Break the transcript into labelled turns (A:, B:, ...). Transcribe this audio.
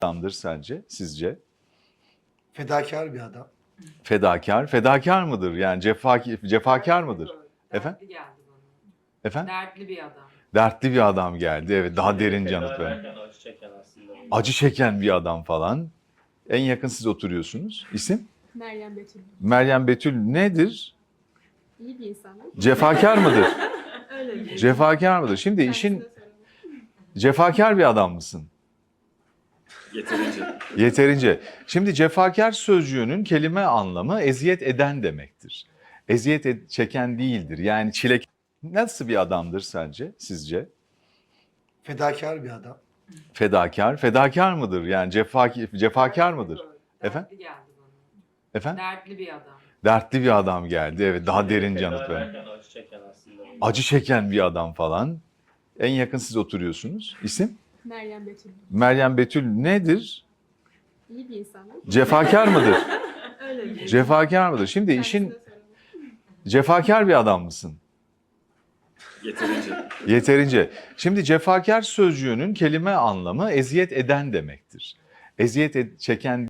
A: adamdır sence, sizce?
B: Fedakar bir adam.
A: Fedakar. Fedakar mıdır? Yani cefakar mıdır? Efendim?
C: Dertli geldi bana.
A: Efendim?
C: Dertli bir adam.
A: Dertli bir adam geldi. Evet, daha derin yanıt verin.
D: Acı çeken aslında.
A: Acı çeken bir adam falan. En yakın siz oturuyorsunuz. İsim?
E: Meryem Betül.
A: Meryem Betül nedir?
E: İyi bir insan.
A: Cefakar mıdır?
E: Öyle bir.
A: Cefakar mıdır? Şimdi işin cefakar bir adam mısın?
D: Yeterince.
A: Yeterince. Şimdi cefakar sözcüğünün kelime anlamı eziyet eden demektir. Çeken değildir. Yani çile nasıl bir adamdır sence, sizce?
B: Fedakar bir adam.
A: Fedakar. Fedakar mıdır? Yani cefakar mıdır? Efendim?
C: Dertli geldi bana.
A: Efendim?
C: Dertli bir adam.
A: Dertli bir adam geldi. Evet, daha derin yanıt verin.
D: Acı çeken aslında.
A: Acı çeken bir adam falan. En yakın siz oturuyorsunuz. İsim?
E: Meryem Betül.
A: Meryem Betül nedir?
E: İyi bir insan.
A: Cefakar mıdır?
E: Öyle bir.
A: Cefakar mıdır? Şimdi işin cefakar bir adam mısın?
D: Yeterince.
A: Yeterince. Şimdi cefakar sözcüğünün kelime anlamı eziyet eden demektir. Çeken